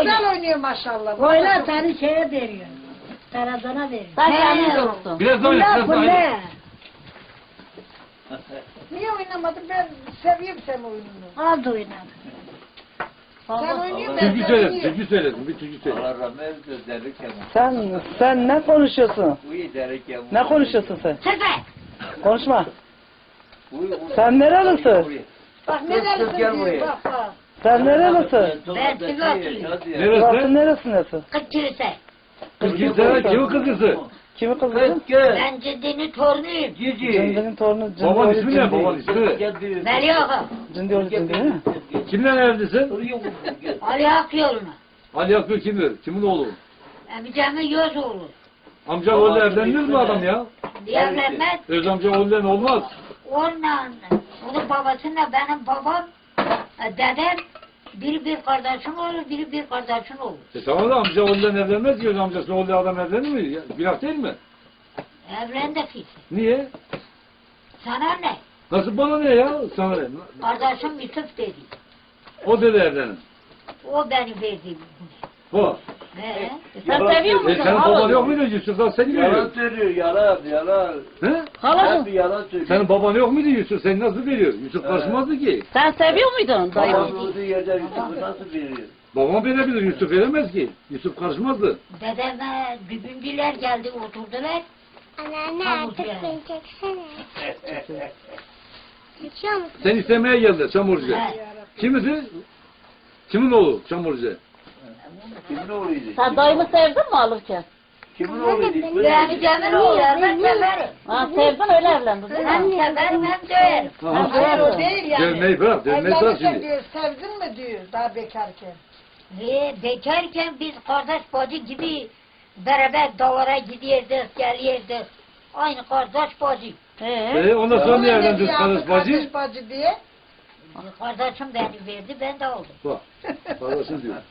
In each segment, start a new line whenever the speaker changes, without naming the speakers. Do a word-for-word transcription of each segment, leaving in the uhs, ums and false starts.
güzel oynuyor maşallah.
Oyna seni şeye veriyor. Tarazana veriyor.
Sen kendin olsun.
Biraz oyna, biraz
Bu
oyna.
ne?
Niye oynamadın? Ben seviyorum senin oyununu.
Az oyna.
Sen oynuyorsun ben
Türkü söyledim,
seviyorum.
türkü söyledim, bir türkü söyledim.
Allah rahmet eylesin derken.
Sen sen ne konuşuyorsun?
Bu iyi derken.
Ne konuşuyorsun sen?
Sefer.
Konuşma.
Bu- bu-
Sen nerelisin?
Bak ne
Kız, kız,
dersin
gel
diyor
buraya.
bak bak.
Sen nerelisin?
Ben Sivaslıyım.
Sivas'ın neresindesin?
Kıçırse.
Kızgısı, kimin kızgısı?
Kimi kızısın?
Kız gel.
Ben Ciddi'nin torunuyum.
Cici.
Cındının torunu Cındiyoğlu
Baban ismi ne,
Cindi.
baban ismi?
Veli Ağa.
Cındioğlu Cindi değil mi?
Kimle evlisin?
Ali Hak yoluna.
Ali Akgül kimdir? Kimin oğlu?
Amcamın göz oğlu.
Amca oğlu evlenir mi adam ya?
Evlenmez.
Öz amca oğlu olmaz.
Onunla, onun babasıyla benim babam, e, dedem, biri bir kardeşim olur, biri bir kardeşim olur.
E tamam da amca oğlu evlenmez ki öz amcası oğlu adam evlenir mi? Ya, günah değil mi?
Evlendik işte.
Niye?
Sana ne?
Nasıl bana ne ya? Sana ne?
Kardeşim Yusuf dedi.
O dedi evlenin.
O beni verdi.
Bu.
He?
Sen seviyor
E
musun?
senin baban yok muydu Yusuf'dan seni
Yalan
veriyor?
söylüyor, yalan, yalan.
He?
Halacığım,
Hep yalan söylüyor.
Senin baban yok muydu Yusuf? Seni nasıl veriyor? Yusuf karışmazdı ki.
sen seviyor muydun dayı?
Babam olduğu yerde Yusuf'u nasıl veriyor?
Babam verebilir, Yusuf veremez ki. Yusuf karışmazdı.
Dedeme dübüncüler geldi oturdular.
Anneanne
Pamuk
artık
yani.
beni çeksene. İçiyor musun?
Sen istemeye geldi Çamurcu.
He.
Kimisi? Kimin oğlu Çamurcu?
Kimin oğluydu?
Sen dayımı sevdin mi alırken?
Kimin oğluydu?
Yani Cemil oğlu, ben severim.
Ha, sevdin öyle evlendin değil
Hem
mi?
severim hem döverim.
Hayır o değil yani.
Dövmeyi bırak, dövmeyi bırak
Evlenirken
şimdi.
diyor sevdin mi diyor daha bekarken.
Ve bekarken biz kardeş bacı gibi beraber davara gidiyorduk, geliyorduk. Aynı kardeş bacı.
He.
E ondan sonra niye
Öyle
evlendiniz
diyor,
kardeş bacı?
Kardeş bacı diye.
Kardeşim beni verdi, ben de oldum.
Bak, kardeşim diyor.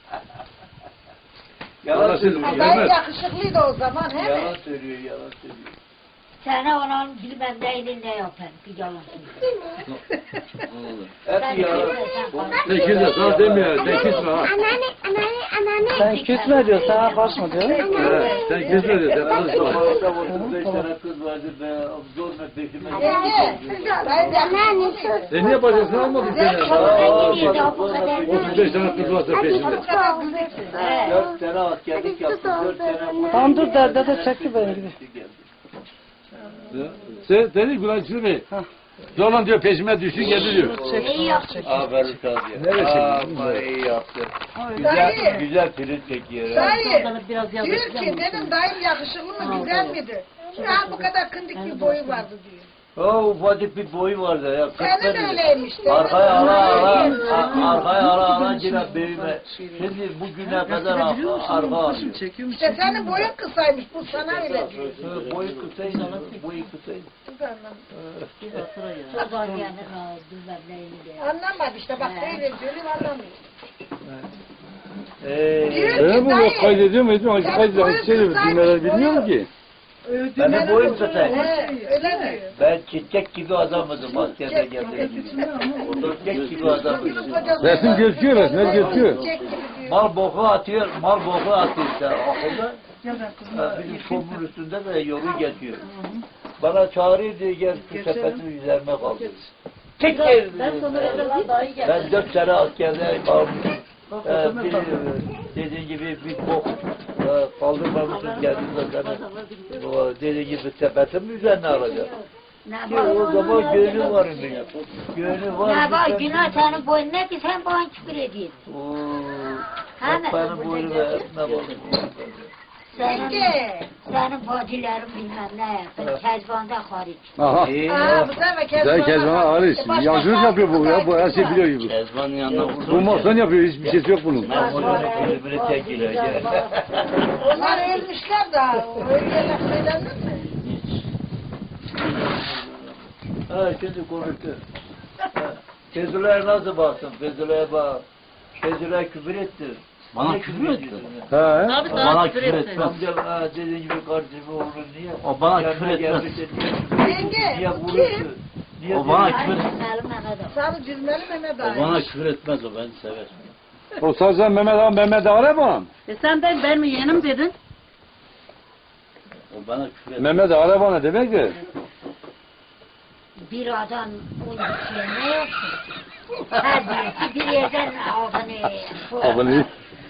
Yalan
Kardeşim
söylüyor.
diyor.
Dayı
Gelmez.
yakışıklıydı o zaman he mi?
Yalan söylüyor, yalan söylüyor.
Sana onun bilmem neyini ne yapar, bir yalan söylüyor.
Hep yalan.
Sen kimse sana demiyor, sen küsme ha.
Anneanne, anneanne, anneanne.
Sen küsme diyor, sana karışma diyor.
He, sen küsme diyor, sen karışma.
Zamanında otuz beş tane kız vardı be, zorla peşime
Yenge, dayı
Anneanne
yakışıklıydı.
sus.
E niye bacasını almadın seni?
Çabuk gidiyordu bu kadar.
otuz beş tane kız varsa
Hadi
peşinde.
sus olsun.
He.
Dört sene askerlik
Hadi sus
yaptım, dört sene.
olsun.
Tamam dur derde de çekti beni gibi.
Ya, Sen, seni Gülayçı Bey. Zorla diyor peşime düştü geldi diyor.
İyi yaptın.
Aferin sana.
Neresi?
Ama iyi yaptın. Güzel,
Dayı.
güzel film çekiyor. ha.
Dayı
Biraz
diyor
yazık
ki benim dayım yakışıklı mı güzel miydi? Ya bu kadar kındık bir boyu vardı diyor.
O ufacık bir boyu vardı ya.
Senin
kırk
öyleymiş. senin
Arkaya ala ala,
öyleymiş.
a- arkaya ala ala yine büyüme. Şimdi bugüne kadar ar- arka alıyor.
İşte senin boyun kısaymış bu sana öyle diyor.
Hı, Boyu kısaydı, boyu kısaydı.
Çok var yani, ha, bilmem neyini de.
Anlamadı işte bak böyle diyorum anlamıyor.
Ee,
Diyor
E
ki
bu
dayı.
kaydediyor mu ediyor mu? Kaydediyor mu? Şey diyor, dinleler bilmiyor mu ki?
benim boyum kısaydı.
He, öyle diyor.
Ben çiçek gibi adamdım askerde geldiğim gibi. Çiçek gibi adamdım.
Resim gözüküyor, resimler gözüküyor.
Çiçek gibi diyor.
Mal boku atıyor, mal boku atıyor işte okulda. Ha, bizim komun üstünde de yolu geçiyor. Bana çağırıyor diye gel şu sepetin üzerine kaldır. Çek gel.
Ben sana evlendim dayı geldi.
Ben dört sene askerde kalmışım. Ee, bir, dediğin gibi bir bok e, kaldırmamışsın geldiğinde seni. O dediğin gibi sepetin üzerine alacak.
Ne
Ki o
var?
zaman gönlü var benim. Gönlü var.
Ne var?
bir-
Günah senin boyun ne ki sen bana küfür ediyorsun.
Oo,
Hani?
bak benim boynu ve ne var?
Senin,
Yenge.
senin bacıların bilmem ne yaptın. Kezbanda hariç.
Aha.
İyi
Aa
ya.
bu sefer Kezban.
Güzel Kezban hariç. Yancılık yapıyor bu ya. Bu her şey biliyor gibi.
Kezban'ın yanına vurdum.
Bu mahzen yapıyor. Hiçbir şeysi yok bunun.
Ben bunu kulübüne çekiyor.
Onlar ölmüşler daha. Öyle laf söylenir mi?
Ha şimdi konuştu. Ha, Fezula'ya nasıl baksın? Fezula'ya bak. Fezula'ya küfür etti.
Bana
Niye
küfür etti?
ediyorsun ya?
He.
Tabii
O
sana
bana
küfür
küfür
etti.
etmez.
Amca ha, dediğin gibi kardeşimi olur niye?
O bana
Yanına
küfür etmez.
gelmiş de niye-
Yenge,
Niye
bu
vurursun? Niye
O bana
diyorsun?
küfür
Benim Mehmet abi.
Sarı cizmeli Mehmet
O
abi.
bana küfür etmez, o beni sever.
O sadece Mehmet ağam Mehmet ağam mı?
E sen de benim yeğenim dedin.
O bana küfür etti.
Mehmet ağam ne demek ki?
Bir adam o işe ne yapsın? Her birisi bir yerden ağzını...
Abone.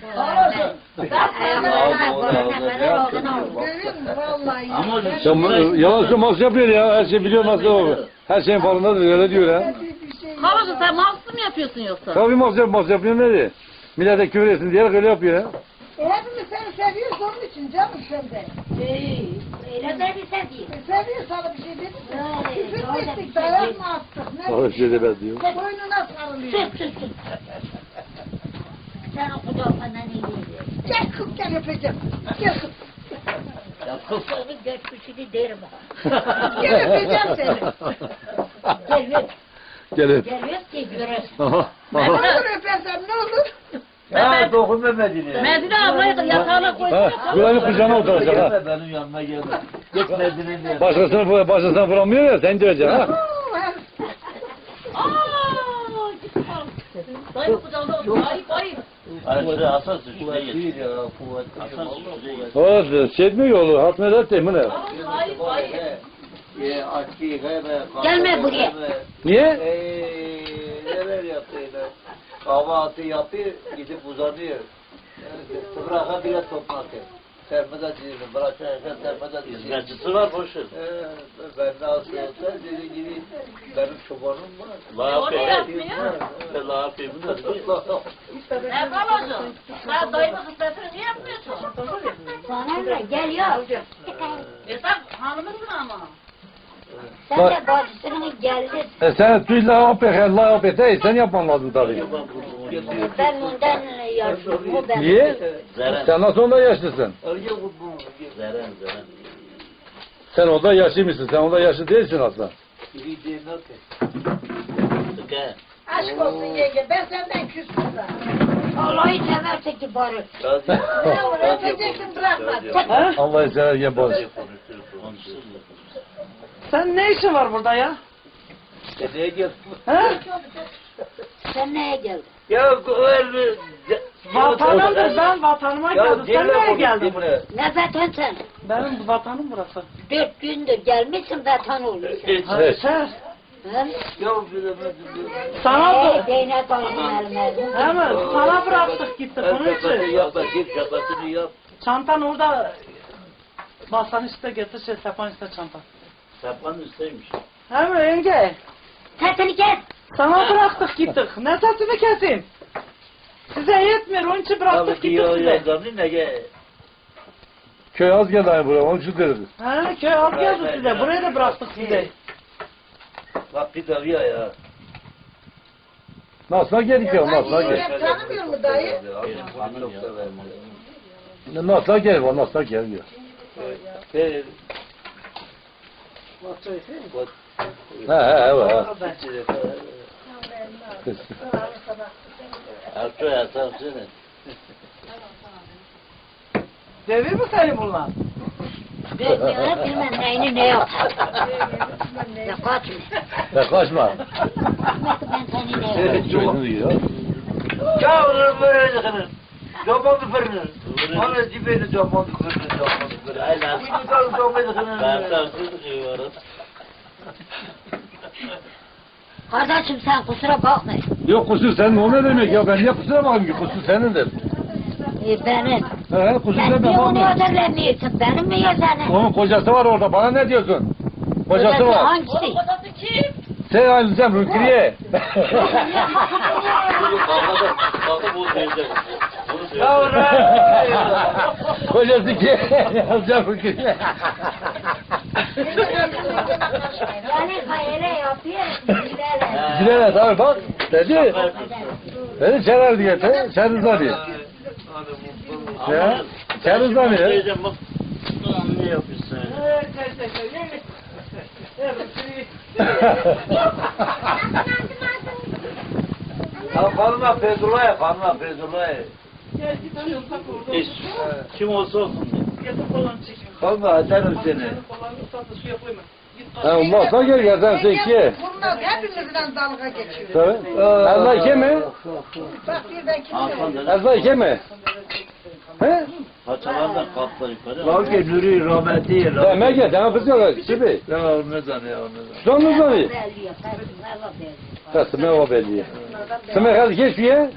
Görüyor musun? Vallahi.
Ama
Sen bu- yalan söylüyorsun yapıyor ya. Her şey biliyor nasıl o. Her şeyin farkındadır öyle diyor ha.
Bir şey
Halası sen mahsus mu yapıyorsun yoksa?
Tabii masraf masraf yapıyor ne diye. Millete küfür etsin diye öyle yapıyor ya.
E, hepimiz seni seviyoruz onun için canım sen de.
Öyle de bir sen değil.
E, seviyoruz sana bir şey dedik mi?
Öyle,
Küfür
öyle
mü
bir
ettik,
şey
dayak
değil.
mı attık? Ne
Öyle şey demez diyor.
boynuna sarılıyor.
Sus sus sus. Sen o kucağından iyi değil.
Gel kız gel öpeceğim. Gel kız.
ya kız.
Senin geçmişini derim ha.
Gel öpeceğim seni.
Gel
Gelin.
gel öp ki göresin.
Aha.
Ne
Aha.
olur öpersem ne olur?
Ya dokunma Medine.
Medine ablayı yatağına koy.
Ha, Gülay'ın kucağına oturacak ha.
Gelme benim yanıma gelme. Git Medine'nin yanına.
Başkasını, başkasına vuramıyor ya sen diyeceksin ha.
Oo, hem-
Aaa! Dayı kucağında otur. Ayıp ayıp.
Aşırı hassas işte Kuvvet geç. değil ya. Kuvvet. Hassas işte geç.
O şey etmiyor yolu. Hatmedet değil mi ne?
Ayıp ayıp.
Ye, açı, gebe,
Gelme buraya.
Niye?
Eee, neler yaptı yine. Kahvaltı yapıyor, gidip uzanıyor. Yani, bırakan bile toplatıyor. Sermede dizildim, bırakırken sermede dizildim.
Hizmetçisi var boşver.
Ee, ben nasıl olsa dediğim gibi benim çobanım var.
La
O ne
yapayım.
yapmıyor?
La yapayım.
Ne kalacak? Sen dayımın kısmetini niye yapmıyorsun?
Sana ne? Gel ya.
E sen hanımısın ama.
Sen de bacısının geldin.
E sen tüy la yapıyor, la yapıyor. Hey, sen yapman lazım tabii.
Ben ondan yaşıyorum. O ben.
Niye?
Zeren.
Sen nasıl onda yaşlısın?
Önce bu bu.
Zeren zeren.
Sen onda yaşlı mısın? Sen onda yaşlı değilsin aslında.
Biri değil ne ki?
Sıkı.
Aşk olsun yenge ben senden küstüm da.
Vallahi severse ki bari.
Razı.
Ne olur öpeceksin bırakma.
Ha?
Allah'ı severken boz.
Sen ne işin var burada ya?
Neye geldin?
Ha?
Sen neye geldin?
Ya öyle.
Vatanımdır, ben vatanıma geldim. Sen nereye geldin?
Ne vatan sen?
Benim vatanım burası.
Dört gündür gelmişsin vatan oluyorsun.
Evet.
Sen,
Hı?
Ya bilemedim.
sana
Hey,
bı-
Zeynep Hanım'ın eline.
Hemen sana bıraktık gittik onun
Şakasını
için.
yap, git şakasını yap.
Çantan orada. Basan işte getir şey sapan işte çantan.
Sapan üsteymiş.
Hemen yenge.
Sesini kes.
Sana bıraktık gittik. Ne sesimi keseyim? Size yetmiyor onun için bıraktık
Tabii
gittik
ki o
size.
yazanı ne ge?
Köy az geldi hani buraya, onun için deriz.
Ha köy az geldi size. Buraya da bıraktık size.
Bak bir tabii ya ya.
Nasıl geldik ya, nasıl gel.
Yengem tanımıyor mu dayı?
Çok severim.
Nasıl gel, o nasıl gelmiyor.
Evet.
He he evet. ha.
Ertuğ yasarsın.
Devir mi seni bunlar?
Bilmiyorum bilmem neyini ne yapar. Ya kaçma.
Ya kaçma.
Ben seni ne yapar.
Çocuğunu yiyor.
Ya onu böyle yakınır. Zamanı fırınır. Bana dibeni zamanı fırınır, zamanı fırınır.
Aynen.
Bir tutar zamanı fırınır.
Yasarsın diyoruz.
Kardeşim sen kusura bakma.
Yok kusur senin o ne demek ya, ben niye kusura bakayım ki, kusur senindir.
E, benim.
He kusur
Sen
sen
niye
de
onu
bakma.
ödemiyorsun? Benim mi ya senin?
Onun kocası var orada, bana ne diyorsun? Kocası
Ödesi
var.
hangisi?
Kocası kim?
Sen aynı sen Rükriye.
Kavga kavga bu teyze. Bunu
Ya
söyle.
ne?
Kocası ki yazacağım Rükriye.
Yani hayale yapıyor. Gidelim.
Cilene tabi bak, dedi. Dedi çeler diye, sen rıza diye. Ya, sen rıza diye.
Teyzem bak. Ulan ne yapıyorsun?
Ya kanına Feyzullah'a, kanına Feyzullah'a.
Hiç. Kim olsa olsun.
Kanına atarım seni.
Ha olmazsa gel yerden sen ikiye.
Bunlar hepimizden dalga geçiyor.
Tabii. Ezra iki mi?
Bak birden kim
Hakan
diyor?
dedi.
Ezra iki mi? He?
Paçalardan kalktılar yukarı.
Var ki Nuri rahmeti.
Deme gel, deme kızıyorlar. Gibi.
Ne var ne zanıyor ne zanıyor.
Şuan mı zanıyor?
Belli, Allah belli.
Kasım o belli. Sen hadi geç bir ye.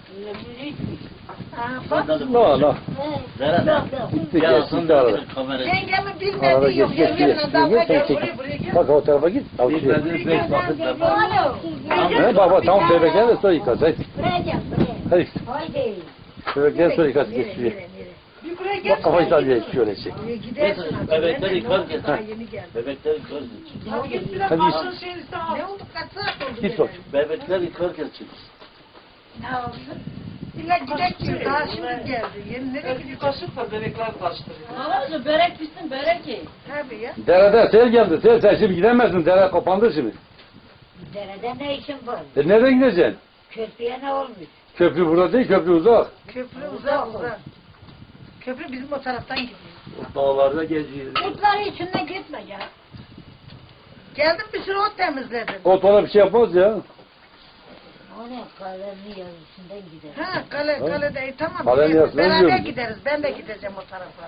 No no.
Zeren.
Gitti
Ya
geç,
sen
gitti arada.
de kamerayı.
Yengemin
Arada
bilmediği yok.
geç geç
Yengemin
geç.
dalga
Sen
geçiyor.
çek.
Buraya buraya gel.
Bak o tarafa git. Al şuraya.
Bilmediğiniz beş vakit namaz.
He bak bak tamam bebekler de sonra yıkas. Hadi.
Buraya gel, buraya.
Hadi.
Haydi.
Bebekler sonra yıkas geç şuraya.
Bir buraya gel.
Bak kafayı sal diye şöyle çek.
Buraya gidersin.
Bebekler yıkar
Daha
getir.
yeni geldi.
Bebekler yıkar getir.
Ya git biraz
Hadi
başın
git.
şeyini sen al.
Ne oldu kaç saat oldu?
Git bak.
Bebekler yıkar getir.
Ne oldu? İlla gidek diyor. Daha şimdi geldi. Yeni nereye
Bir
gidiyor?
kaşık da bebekler karıştırıyor.
Babacığım börek bitsin börek ye.
Tabii ya.
Derede sel geldi. Sel sen şimdi gidemezsin. Dere kapandı şimdi.
Derede ne işin var?
E nereden gideceksin?
Köprüye ne olmuş?
Köprü burada değil, köprü uzak.
Köprü uzak uzak. Köprü bizim o taraftan gidiyor.
O dağlarda geziyor.
Kutları içinde gitme ya.
Geldim bir sürü ot temizledim.
O bana bir şey yapmaz ya.
O ne kalemli yazısından gider.
Ha kale kalede e, tamam.
Kalenin yarısını
Beraber
diyorum.
gideriz. Ben de gideceğim o tarafa.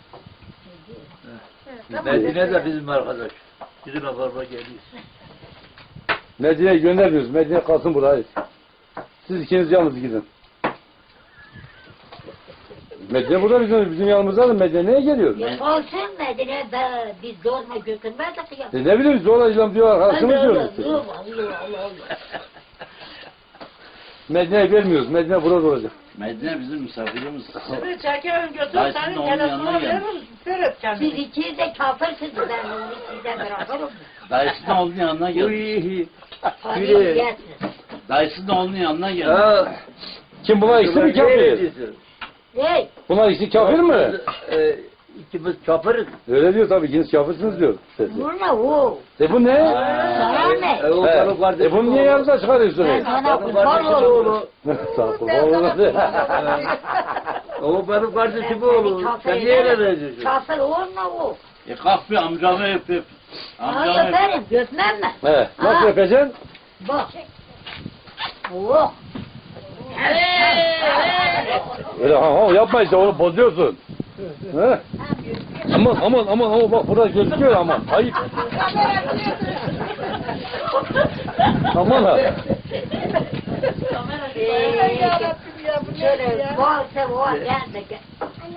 Evet,
Medine de bizim arkadaş. Bizim akraba geliyor.
Medine'ye göndermiyoruz. Medine kalsın buraya. Siz ikiniz yalnız gidin. Medine burada bizim, bizim yanımızda da Medine neye geliyor?
Ya olsun Medine be, biz zorla götürmezdik ya.
E ne bileyim zorla İslam diyor arkadaşımız diyoruz.
Allah Allah Allah Allah.
Medine'ye vermiyoruz. Medine burada olacak.
Medine bizim misafirimiz.
Şimdi çekerim götür
Dayı
senin
şimdi onun
telefonuna
yanına gelmiş.
veririm. Seyret
Siz
kendini.
ikiniz de kafirsiniz ben onu sizden bırakırım.
Dayısının oğlunun yanına geldi.
Uy.
Parayı
Biri.
yersiniz.
Dayısının oğlunun yanına geldi.
Ha.
Kim bunlar ikisi mi kafir?
Hey,
Bunlar ikisi kafir mi?
E, ikimiz çapırız.
Öyle diyor tabii ikiniz kafirsiniz diyor. Sesi.
bu ne o?
E bu ne?
Sana ne?
E, o
He.
benim kardeşim
E bunu niye
oğlu.
yanında çıkarıyorsun?
Ben sana
Benim
kurban
kardeşim
olurum.
oğlu.
Sağ ol. Vallahi.
O benim kardeşim oğlu. Sen niye öyle veriyorsun?
Kafir olma o.
E kalk bir amcamı öp öp. Amcamı
Hayır
öp.
benim götmem ben.
He. Nasıl
Ha.
yapacaksın?
Bak. Oh.
Öyle ha ha yapma işte onu bozuyorsun. He? Aman aman aman aman bak burada gözüküyor aman. Ayıp. Aman ha.
Yarabbim ya bu ne
Şöyle
ya?
varsa var gel de gel.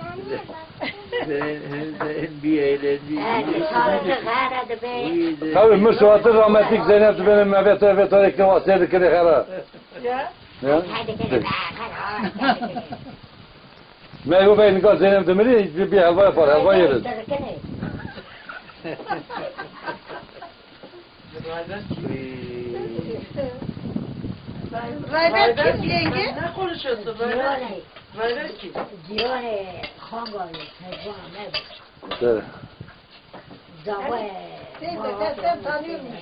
Senin, senin bir eğlendiğin.
Hadi çalıştık hadi be.
Tabii Müslüman'ın rahmetlik Zeynep benim evet evet tarikli vasiyeti kere kara.
Ya.
Ya.
Hadi gel. Hadi.
Meyve Bey'in kal Zeynep demiri bir, bir helva yapar helva yeriz.
Rayber kim yenge?
Ne konuşuyorsun böyle?
Diyorne.
Böyle ki.
Diyorne. Hangalı. Mezban. Mezban.
Evet.
Zavay.
Sen de sen, sen tanıyor musun?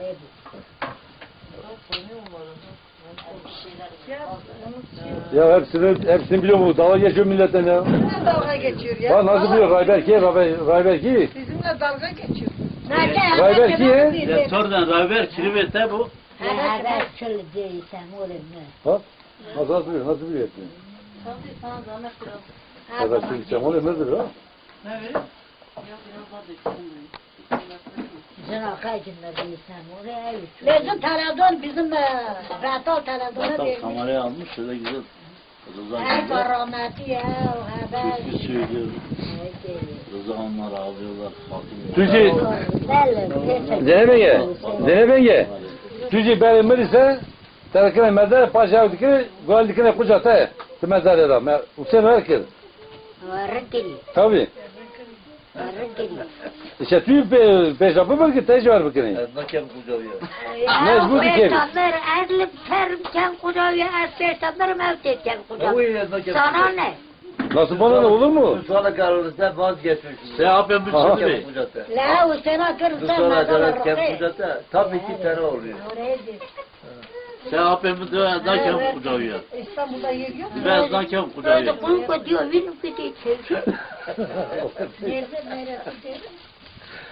Ya hepsini hepsini biliyor mu? Dalga geçiyor milletten ya.
Bizimle dalga geçiyor ya.
Bak nasıl biliyor Rayber ki Rayber, Rayber ki.
Bizimle dalga geçiyor.
Rayber ki.
Ya sonradan Raver kirivete bu.
Haber çöl değilsem oğlum ne?
Ha? Nasıl nasıl biliyor? Nasıl biliyor?
Tabii sana zahmet biraz.
Rayber ki onu emredir ha.
Ne vereyim?
Yok biraz daha dökeyim.
Zina kaydında değilsem oraya üç. Bizim Taradon bizim Ratal Taradon'a
Hatta
vermiş.
kamerayı almış şöyle güzel. Rıza
Her
güzel.
rahmeti ya haber.
Türkü söylüyor.
Evet.
Rıza onlar ağlıyorlar. Bakın.
Tücü. Zeynep Enge. Zeynep Enge. Tücü ben emir ise terakine mezar paşa dikine gol dikine kucata. Mezar ya. Usen herkes.
Varıkili.
Tabii.
Varıkili.
İşte tüy pe peşapı var ki tecrübe var bakın.
Nakem kucağıyor.
Mecbur dikelim.
Peygamber erlim terimken kucağıya az peygamber mevtetken kucağıya.
Uy, nakem
Sana ne?
Nasıl bana ne olur mu?
Sonra kararınızda vazgeçmişsiniz.
Sen yapın bir
Aha.
sürü.
Nakem kucağıta.
La o sana kırsa
Sonra
nazar
nakem
rıkı.
kucağata tam iki tane oluyor.
Oraya git.
Sen yapın bir de nakem kucağıyor.
İstanbul'da yer yok mu?
Biraz nakem kucağıyor.
Böyle bunu diyor, benim gidiyor. Nerede neresi diyor?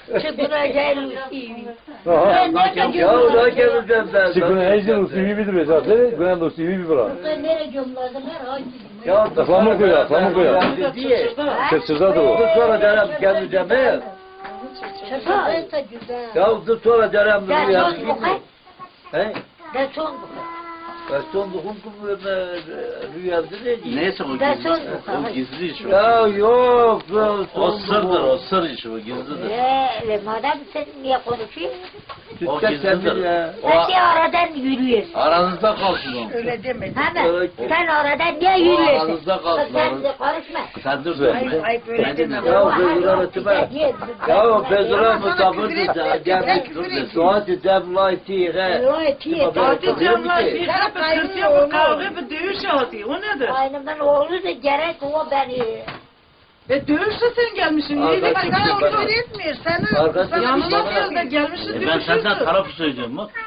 Çıkınacak Lucy.
Aha.
Ya ona geleceğim ben.
Çıkın ejder usulü bir duruyor zaten. Günen usulü bir bırak.
Nereye gömledim her ay.
Ya
Aklamı koy, aklamı koy.
diye.
Çırçırdadır o.
Dur sonra canım geleceğim he.
Çıkınca güzel.
Ya dur sonra canım
Gel
rüya.
son bu kay.
He?
Gel son bu
Ben son dokun kum rüyamda ne diyeyim?
Neyse o
Ben
gizli.
son-
O gizli iş o.
Ya yok. ben
O
son
sırdır,
dokun.
o sır işi o gizlidir.
Eee madem sen niye konuşuyorsun?
O
Tütte
gizlidir.
kendin ya.
Sen de aradan yürüyorsun.
Aranızda kalsın o.
Öyle deme.
Hemen.
Evet.
Sen oradan niye
O
yürüyorsun?
aranızda kalsın.
Sen de karışma.
Sen dur
Ayıp
sen.
ayıp öyle
Ben
deme.
de-
Ya Bezura ötüme. Ya Bezura musafir de gelmiş. Suati devlayti he.
Hadi camlar bir
Sen
kapı
kaynıyor
kırpıyor
oğlum.
bu kavga bir dövüş hadi. O nedir?
Aynımın oğlu da gerek o beni.
E dövüşte sen gelmişsin.
Aa,
Niye
ben
bak
çektim.
Sana
Bana-
usul etmiyor. Sana,
Arkadaş-
sana
yanına
bir şey
biraz da gelmişsin
E ben senden
dövüşürsün.
tarafı söylüyorum bak.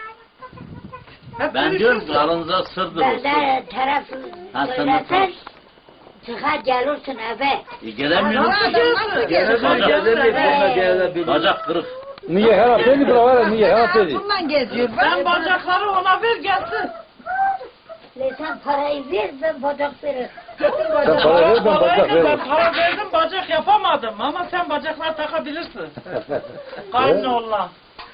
Hep
Ben diyorum ki
dövüşürsün.
aranızda sırdır o
Ben
sır.
de tarafı
Ha, sen de
söylesen
taraf.
çıkar gelirsin eve.
E gelemiyorum
Adam
ki.
nasıl
Gelemiyor,
gelir?
gelemiyor, bana gelebilir.
Bacak kırık.
Niye her hafta bir bırak var ya, niye her hafta değil.
Bundan geziyor.
Sen bacakları ona ver gelsin.
Le sen parayı ver ben bacak veririm.
Sen para ver ben bacak
Parayı ben
veririm.
para verdim bacak yapamadım ama sen bacaklar takabilirsin. Kaynağınla.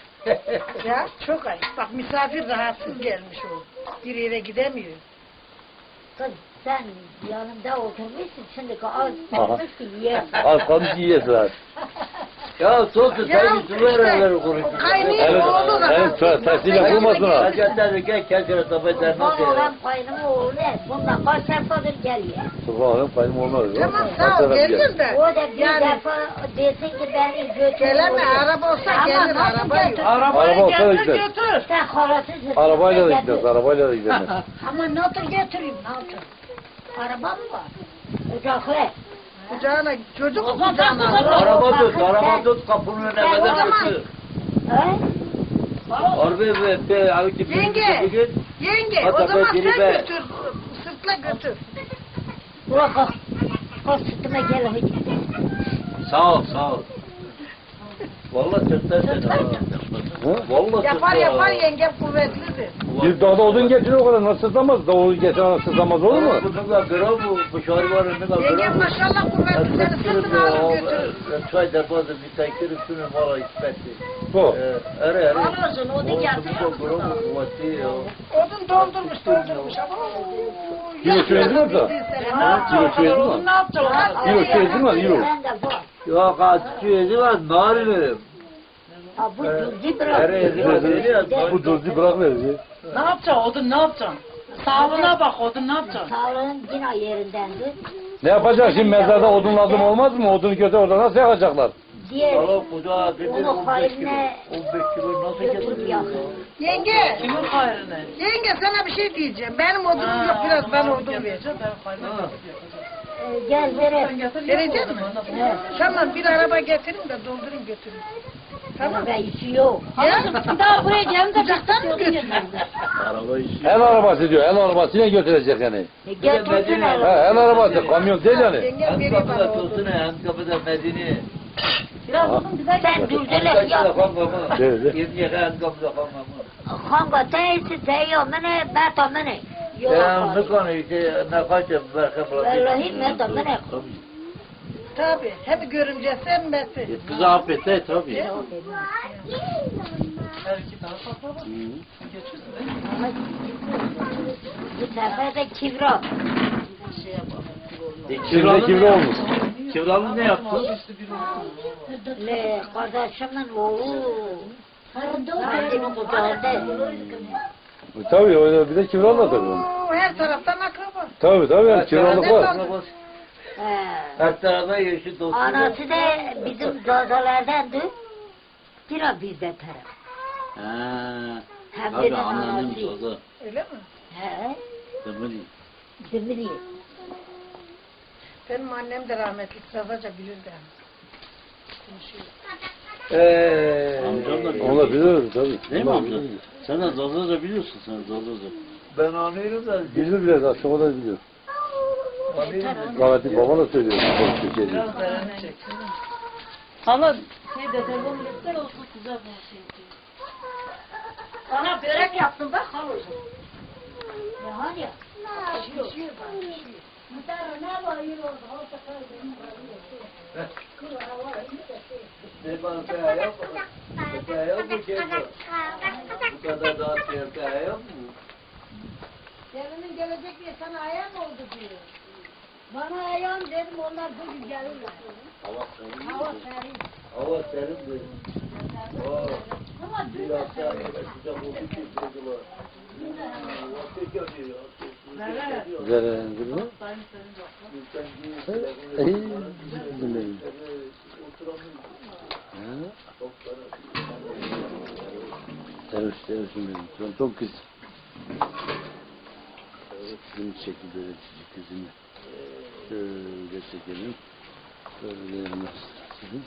Ya çok ayıp. Bak misafir rahatsız gelmiş o. Bir yere gidemiyor.
Kız sen yanımda oturmuşsun şimdi az kalmış ki yiyesin.
Az kalmış yiyesin.
Ya sosu
Ya
sen bir duvar evleri
o
konuşuyorsun.
kaynıyor
Evet,
oğlu
evet,
rahatsız.
tersiyle vurmasın ha.
Hacetleri gel kendine tabaklar
Bana
nasıl
olan
ya?
kaynımı oğlu ne? Bundan kaç defadır geliyor.
Subhanallah payım olmaz.
Tamam sağ ol gelir de.
O da bir
Yani
defa desin ki beni götür.
geleme
oraya.
araba olsa
Ama
gelir
nasıl
araba yok.
götür?
Arabayı
Araba olsa da
getir
gider.
götür.
Sen halasızsın.
Arabayla da
Sen
gideriz,
götür.
arabayla da gideriz.
Ama nasıl götüreyim nasıl? Araba mı var? Ocaklı.
Kucağına çocuk
O zaman
kucağına
ben-
alır.
Araba tut,
Bakın
araba
sen-
tut kapının önüne
sen o
kadar
zaman-
götür.
He?
Araba ve be avcı bir
Yenge.
bugün.
Yenge o
Hatta
zaman
ben
sen
geri be-
götür. Sırtla götür.
Bırak kalk. Kalk sütüme gel hadi.
Sağ ol sağ ol.
Vallahi sırtlar seni. ha. Vallahi
Yapar
sırtlar.
yapar yengem kuvvetlidir.
Bir dağda odun getirir o kadar nasıl sızlamaz? Davul getiren sızlamaz olur mu?
Bu ne kadar gram bu, bu şarvarı ne kadar
Yengem
gram bu.
maşallah kuvvetli seni sırtına alıp götürür.
Çay deposu bir tankır üstüne mala ispetti.
Bu.
Ere ere.
Alıyorsun, onu
O,
getiriyor
bu gram bu kuvvetli ya.
Odun doldurmuş doldurmuş. Ama
Kilo şu ezdi mi orada? Kilo şu ezdi
Onu
mi?
ne yapacaksın?
Euro şu ezdi mi? Euro.
Ben de var.
Ya kaççı yedi var, nar verim.
Ha bu cüzdi
Ere
bırak.
ere ere.
Bu dozdu bırak verir.
Ne yapacaksın? Odun ne yapacaksın? Sağlığına bak odun ne yapacaksın?
Sağlığın yine yerindendi.
Ne yapacak şimdi mezarda odun lazım olmaz mı? Odunu götür orada nasıl yakacaklar?
Diğer
Valla kucağa dedi
Onu
on beş kilo.
haline
on beş kilo nasıl
götür
getirdin?
yakın.
Yenge,
Kimin hayrına?
yenge sana bir şey diyeceğim. Benim odunum yok biraz ben odun vereceğim.
Ha.
Ee, gel verelim.
Verecek mi?
Evet.
Tamam bir araba getirin de doldurun götürün. Tamam.
Ama işi yok.
Ya?
Daha buraya geldim de
Kucaktan mı götürün?
Araba işi.
El arabası diyor, el arabasıyla götürecek yani.
E, Getirsin
Ha,
hele.
el arabası, kamyon değil yani.
Yengem
Hem
veriyor bana
kapıda
odun.
Tosun'a hem kapıda Medine.
Sen dürdüler
Kaç
ya.
lira kan kama?
Evet.
Yirmi yaka hem kapıda kan kama.
Kanka teysi teyo mene meta mene. Yok.
Ya ne konu işte ne kaçım berke
Vallahi meta mene.
Tabii. Hep görümce sen mesi.
Kızı affet de tabii.
Her iki tarafa bak.
Bu sefer de kibra.
E,
Şimdi
kiralı
kibri
ne
olmuş.
yaptı? Kiralı ne yaptı?
Le kardeşimin oğlu. Annemin kucağında.
Tabii öyle bir de kiralı tabii. onu.
Oo, her taraftan akraba.
Tabii tabii yani kiralık var.
He.
Her tarafa yeşil dostum.
Anası da bizim zazalardandı. Yine bizde taraf.
Ha.
Hem de
Tabii
de
anneannem
anası.
sazı.
Öyle mi?
He.
Demiri.
Demiri.
Benim annem de rahmetli sazaca bilirdi. Konuşuyor.
Eee.
Amcam da
Onlar bilir tabii.
Değil mi
Onlar
amca?
bilir.
Sen de Zazaca biliyorsun sen Zazaca.
Ben anlıyorum da.
Bilir biraz aslında o da biliyor.
Anlıyorum.
Rahmetli baba da söylüyor. Çok Türkiye diyor.
Biraz dereni çek. Hala
Şey dedemin lütfen olsun güzel bir şey. Sana börek yaptım bak halacığım.
Ne hani ya?
Pişiyor bak, pişiyor.
Muhtar ne var yürü oldu. Olsa kaldı.
Ne bana kaya yok mu? Kaya yok mu Kemal? Bu kadar dağıtıyor kaya yok mu?
Gelinin gelecek diye sana ayağın oldu diyor.
Bana ayağım dedim onlar bugün gelirler.
Hava serin.
Hava serin.
Hava serin dedim. Oo.
Ama
Bir hafta sıcak oldu ki sıcaklar. Ateş yapıyor. Ateş
Güzel değil mi? İyi. Bilmiyorum. Ha? Seviş, sevişim benim. Çok, çok güzel. Kızım çekti böyle küçük kızını. Şöyle çekelim. Şöyle yapalım.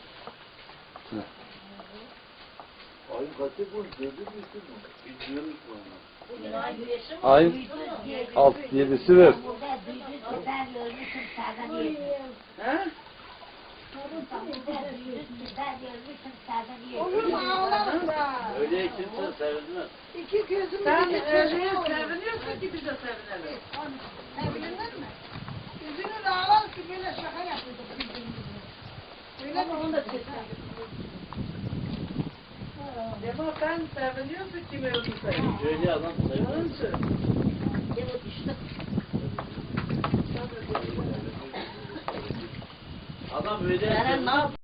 Ayın kaçı bu? Gördün müsün mü? Bilmiyoruz mu?
Bugün ay güneşi mi?
Ayın altı yedisi ver.
burada büyüdü ben ölmüşüm senden yedim.
ha?
Burada büyüdü ben ölmüşüm senden
Olur
yedim.
mu ağlarım da.
Öyle kimse sevinmez.
İki gözümü
Sen
bir
öyle
çeşme olur.
seviniyorsun ki biz de sevinelim.
Sevinirler mi? Yüzünü de ağlar ki böyle şaka yapıyorduk birbirimize. Öyle mi? Onu da
Ama sen seviniyorsun kim öldüyse.
Öyle adam sevinmez.
Onun için.
Adam öyle
Sen ne yap?